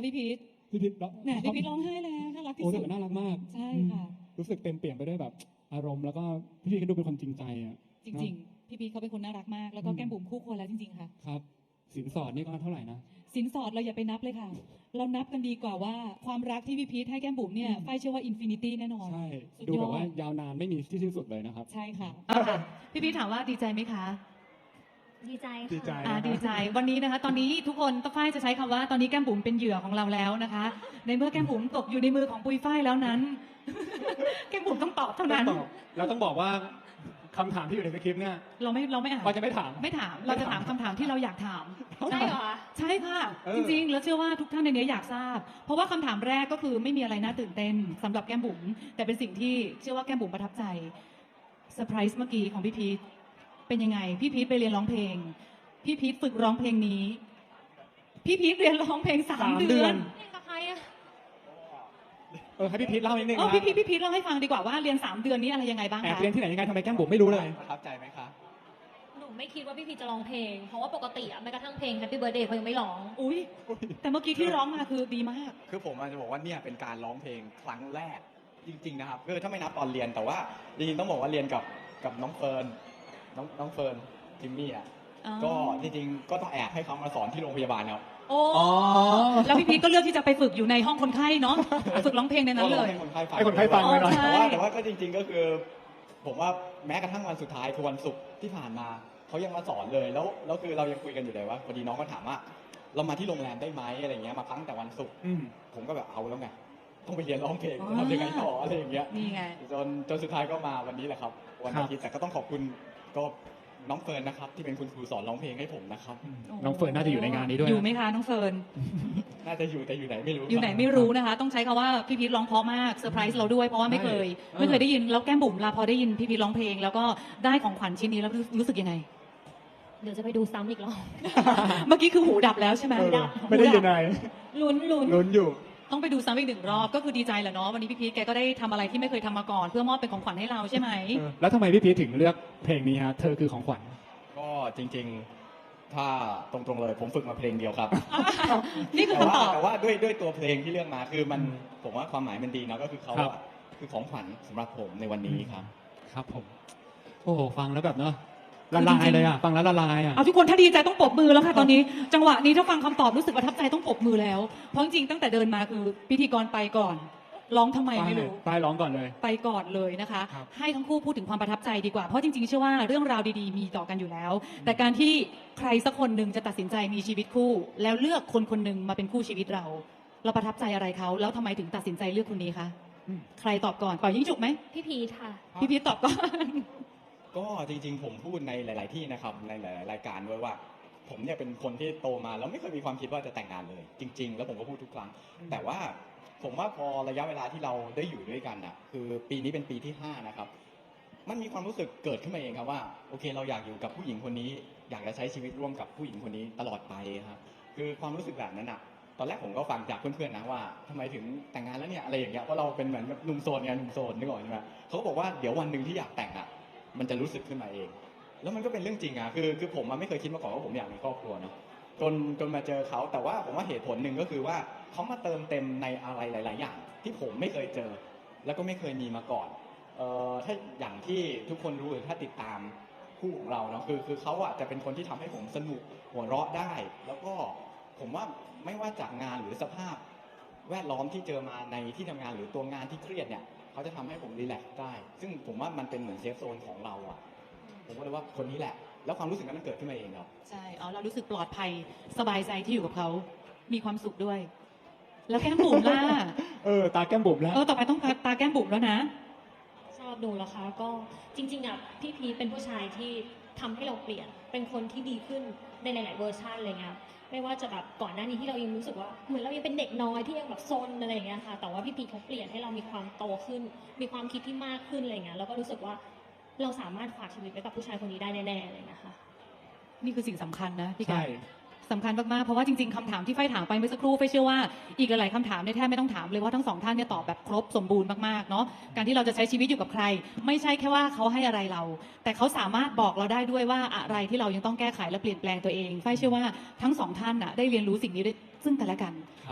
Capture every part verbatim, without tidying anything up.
พี่พีทพี่พีทเนี่ยพี่พีทร้องไห้แล้วน่ารักที่โอ้สุแต่ดน่ารักมากใช่ค่ะรู้สึกเต็มเปี่ยมไปด้วยแบบอารมณ์แล้วก็พี่พีทก็ดูเป็นคนจริงใจอ่ะจริงๆพี่พีทเขาเป็นคนน่ารักมากแล้วก็แก้มบุ๋มคู่ควรแล้วจริงๆค่ะครับสินสอดนี่ก็เท่าไหร่นะสินสอดเราอย่าไปนับเลยค่ะเรานับกันดีกว่าว่าความรักที่พี่พีทให้แก้มบุ๋มเนี่ยฝ้ายเชื่อว่าอินฟินิตี้แน่นอนใช่สุดดูยแบอบว่าดยาวนานไม่มีที่สิ้นสุดเลยนะครับใช่ค่ะพี่พีทถามว่าดีใจไหมคะดีใจดีใจค่ะอ่าดีใจวันนี้นะคะ ตอนนี้ทุกคนต้องฝ้ายจะใช้คำว่าตอนนี้แก้มบุ๋มเป็นเหยื่อของเราแล้วนะคะ ในเมื่อแก้มบุ๋มตกอยู่ในมือของปุยฝ้ายแล้วนั้น แก้มบุ๋มต้องตอบเท่านั้นต้องตอบเราต้องบอกว่าคำถามที่อยู่ในสคริปต์เนี่ยเราไม่เราไม่อ่านเราจะไม่ถามไม่ถามเราจะถามคำถามที่เราอยากถามใช่เหรอใช่ค่ะเออจริงๆ แล้วเชื่อว่าทุกท่านในนี้อยากทราบ เพราะว่าคำถามแรกก็คือไม่มีอะไรน่าตื่นเต้นสำหรับแก้มบุ๋มแต่เป็นสิ่งที่เชื่อว่าแก้มบุ๋มประทับใจเซอร์ไพรส์เมื่อกี้ของพี่พีทเป็นยังไงพี่พีทไปเรียนร้องเพลงพี่พีทฝึกร้องเพลงนี้ พี่พีทเรียนร้องเพลงสามสามเดืเดืออน นเล่นกับใครอะเออให้พี่พีทเล่านิดนึงเออนะพี่พีทพี่พีทเล่าให้ฟังดีกว่าว่าเรียนสามเดือนนี้อะไรยังไงบ้างแอบคะเรียนที่ไหนยังไงทำไมแก้มบุ๋มไม่รู้เลยประทับใจไหมคะหนูไม่คิดว่าพี่พีจะร้องเพลง เพราะว่าปกติอะแม้กระทั่งเพลง Happy Birthday เขายังไม่ร้องอุ้ยแต่เมื่อกี้ที่ร้องมาคือดีมากคือผมอาจจะบอกว่าเนี่ยเป็นการร้องเพลงครั้งแรกจริงๆนะครับคือถ้าไม่นับตอนเรียนแต่ว่าจริงๆต้องบอกว่าเรียนกับกับน้องเฟิร์นน้องน้องเฟิร์นจิมมี่อ่ะอ๋อก็จริงๆก็ต้องแอบให้เขามาสอนที่โรงพยาบาลครับโอ้แล้วพี่พีทก็เลือกที่จะไปฝึกอยู่ในห้องคนไข้เนาะฝึกร้องเพลงในนั้นเลยให้คนไข้ฟังให้คนไข้ฟังอ๋อไว้หน่อยใช่แต่ว่าแต่ว่าก็จริง ๆก็คือ ผมว่าแม้กระทั่งวันสุดท้ายคือวันศุกร์ที่ผ่านมาเขายังมาสอนเลยแล้วแล้วคือเรายังคุยกันอยู่เลยว่าพอดีน้องก็ถามว่า เรามาที่โรงแรมได้ไหมอะไรเงี้ยมาพักแต่วันศุกร์อืมผมก็แบบเอาแล้วไงต้องไปเรียนร้องเพลงอ๋อทำยังไงต่ออะไรอย่างเงี้ยนี่ไงจนจนสุดท้ายก็มาวันนี้แหละครับ วันครับอาทิตย์แต่ก็ต้องขอบคุณก็น้องเฟิร์นนะครับ ที่เป็นคุณครูสอนร้องเพลงให้ผมนะครับน้องเฟิร์นน่าจะอยู่ในงานนี้ด้วยอยู่ไหมคะน้องเฟิร์นน่าจะอยู่แต่อยู่ไหนไม่รู้อยู่ไหนไม่รู้นะคะ ต้องใช้คำว่าพี่พีทร้องเพราะมากเซอร์ไพรส์เราด้วยเพราะว่าไม่เคยใช่ไม่เคยได้ยินแล้วแก้มบุ๋มลาพอได้ยินพี่พีทร้องเพลง แล้วก็ได้ของขวัญชิ้นนี้แล้วรู้รู้สึกยังไงเดี๋ยวจะไปดูซ้ำอีกรอบเมื่อกี้คือหูดับแล้วใช่ไหมเออดับไม่ได้ยินอะไรลุ้นลุ้นลุ้นอยู่ต้องไปดูซ้ำอีกหนึ่งรอบก็คือดีใจแหละเนาะวันนี้พี่พีทแกก็ได้ทำอะไรที่ไม่เคยทำมาก่อน เพื่อมอบเป็นของขวัญให้เราใช่ไหมเออแล้วทำไมพี่พีทถึงเลือกเพลงนี้ฮะเธอคือของขวัญก็จริงๆ ถ้าตรงๆเลยผมฝึกมาเพลงเดียวครับนี่คือแต่คำว่าตอบแต่ว่าด้วยด้วยตัวเพลงที่เลือกมาคือมันผมว่าความหมายมันดีนะก็คือเขาครับอะคือของขวัญสำหรับผมในวันนี้ครับครับผม โอ้โหฟังแล้วแบบเนาะละลายเลยอ่ะ ฟังแล้วละลายอ่ะเอาทุกคนถ้าดีใจต้องปรบมือแล้วค่ะตอนนี้ จังหวะนี้ถ้าฟังคำตอบรู้สึกประทับใจต้องปรบมือแล้ว เพราะจริงๆตั้งแต่เดินมาคือพิธีกรไปก่อน ร้องทำไมไม่รู้ป้ายร้องก่อนเลยไปก่อนเลยนะคะครับให้ทั้งคู่พูดถึงความประทับใจดีกว่า เพราะจริงๆเชื่อว่าเรื่องราวดีๆมีต่อกันอยู่แล้ว แต่การที่ใครสักคนหนึ่งจะตัดสินใจมีชีวิตคู่ แล้วเลือกคนคนหนึ่งมาเป็นคู่ชีวิตเรา เราประทับใจอะไรเขาแล้วทำไมถึงตัดสินใจเลือกคนนี้คะอืมใครตอบก่อนเป่ายิ่งฉุกไหมพี่พีทค่ะพี่พีทตอบก่อนก็จริงๆ ผมพูดในหลาย ๆ ที่นะครับในหลาย ๆ รายการด้วยว่า ผมเนี่ยเป็นคนที่โตมาแล้วไม่เคยมีความคิดว่าจะแต่งงานเลย จริง ๆ แล้วผมก็พูดทุกครั้ง แต่ว่าผมว่าพอระยะเวลาที่เราได้อยู่ด้วยกันอ่ะคือปีนี้เป็นปีที่ห้านะครับมันมีความรู้สึกเกิดขึ้นมาเองครับว่าโอเคเราอยากอยู่กับผู้หญิงคนนี้ อยากจะใช้ชีวิตร่วมกับผู้หญิงคนนี้ตลอดไปครับคือความรู้สึกแบบนั้นอ่ะตอนแรกผมก็ฟังจากเพื่อน ๆ นะว่าทำไมถึงแต่งงานแล้วเนี่ยอะไรอย่างเงี้ยเพราะเราเป็นเหมือนแบบหนุ่มโสดไงหนุ่มโสดนึกออกใช่ไหมเขาก็บอกว่าเดี๋ยววันหนึ่งที่อยากแต่งอ่ะ มันจะรู้สึกขึ้นมาเอง แล้วมันก็เป็นเรื่องจริงอ่ะ คือ คือผมมันไม่เคยคิดมาก่อนว่าผมอยากมีครอบครัวเนอะจน จนมาเจอเขา แต่ว่าผมว่าเหตุผลหนึ่งก็คือว่าเขามาเติมเต็มในอะไรหลาย ๆ อย่าง ที่ผมไม่เคยเจอ แล้วก็ไม่เคยมีมาก่อน เอ่อ ถ้าอย่างที่ทุกคนรู้หรือถ้าติดตามคู่ของเราเนาะ คือ คือเขาอ่ะจะเป็นคนที่ทำให้ผมสนุกหัวเราะได้ แล้วก็ผมว่าไม่ว่าจากงานหรือสภาพ แวดล้อมที่เจอมาในที่ทำงานหรือตัวงานที่เครียดเนี่ยเขาจะทำให้ผมรีแลกซ์ได้ ซึ่งผมว่ามันเป็นเหมือนเซฟโซนของเราอ่ะ ผมก็เลยว่าคนนี้แหละ แล้วความรู้สึกนั้นมันเกิดขึ้นมาเองครับใช่อ๋อเรารู้สึกปลอดภัยสบายใจที่อยู่กับเขา มีความสุขด้วย แล้วแก้มบุ๋มล่ะเออ ตาแก้มบุ๋มแล้วเออต่อไปต้องตาแก้มบุ๋มแล้วนะชอบดูแล้วคะก็จริงๆอ่ะพี่พีทเป็นผู้ชายที่ทำให้เราเปลี่ยน เป็นคนที่ดีขึ้นในหลายๆเวอร์ชันอะไรเงี้ยไม่ว่าจะแบบก่อนหน้านี้ที่เรายังรู้สึกว่าเหมือนเรายังเป็นเด็กน้อยที่ยังแบบซนอะไรอย่างเงี้ยค่ะแต่ว่าพี่พีทเขาเปลี่ยนให้เรามีความโตขึ้น มีความคิดที่มากขึ้นอะไรเงี้ยแล้วก็รู้สึกว่าเราสามารถฝากชีวิตไว้กับผู้ชายคนนี้ได้แน่ๆเลยนะคะนี่คือสิ่งสำคัญนะพี่ใช่กาสำคัญมากๆเพราะว่าจริงๆคำถามที่ไฟถามไปเมื่อสักครู่ไฟเชื่อว่าอีกหลายๆคำถามเนี่ยแทบไม่ต้องถามเลยว่าทั้งสองท่านเนี่ยตอบแบบครบสมบูรณ์มากๆเนาะการที่เราจะใช้ชีวิตอยู่กับใคร ไม่ใช่แค่ว่าเขาให้อะไรเรา แต่เขาสามารถบอกเราได้ด้วยว่าอะไรที่เรายังต้องแก้ไขและเปลี่ยนแปลงตัวเองไฟเชื่อว่าทั้งสองท่านน่ะได้เรียนรู้สิ่งนี้ด้วยซึ่งกันและกันครับ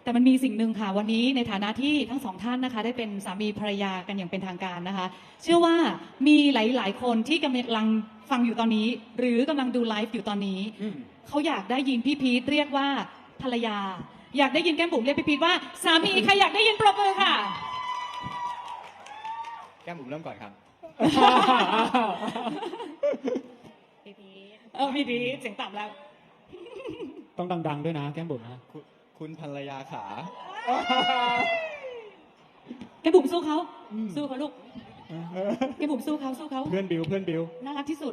แต่มันมีสิ่งหนึ่งค่ะวันนี้ในฐานะที่ทั้งสองท่านนะคะ ได้เป็นสามีภรรยากันอย่างเป็นทางการนะคะ เชื่อว่ามีหลาย ๆ คนที่กำลังฟังอยู่ตอนนี้ หรือกำลังดูไลฟ์อยู่ตอนนี้อืมเขาอยากได้ยินพี่พีทเรียกว่าภรรยา อยากได้ยินแก้มบุ๋มเรียกพี่พีทว่าสามีใครอยากได้ยินปรบมือค่ะแก้มบุ๋มเริ่มก่อนครับพี่พีทเออพี่พีทเสียงต่ำแล้วต้องดัง ๆ ด้วยนะแก้มบุ๋มนะคุณคุณภรรยาขาแก้มบุ๋มสู้เขาสู้เขาลูกแก้มบุ๋มสู้เขาสู้เขาเพื่อนบิวเพื่อนบิวน่ารักที่สุด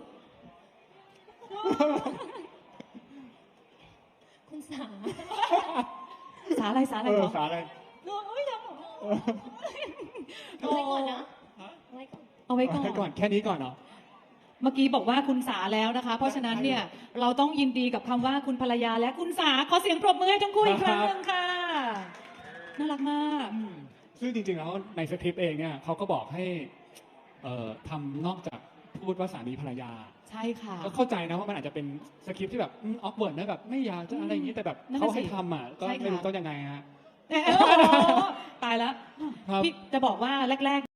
คุณสาสาอะไรสาอะไรเออเหรอสาอะไรโอ้ยยังเหรอเอาไว้ก่อนนะเอาไว้ก่อนเอาไว้ก่ให้ก่ออน นแค่นี้ก่อนเนาะเมื่อกี้บอกว่าคุณสาแล้วนะคะ เพราะฉะนั้นเนี่ยเราต้องยินดีกับคำว่าคุณภรรยาและคุณสาขอเสียงปรบมือให้ทั้งคู่อีกครั้งหนึ่งค่ะน่ารักมากซึ่งจริงๆ แล้วในสคริปต์เองเนี่ยเขาก็บอกให้เอ่อทำนอกจากพูดว่าสามีภรรยาใช่ค่ะก็เข้าใจนะว่ามันอาจจะเป็นสคริปต์ที่แบบออฟเวิร์ดนะแบบไม่อยากจะอะไรอย่างนี้แต่แบบนั่นเขาน่ะสิให้ทำอ่ะก็ใช่ค่ะไม่รู้ต้องยังไงฮะโอ้โหตายแล้วครับพี่จะบอกว่าแรก ๆ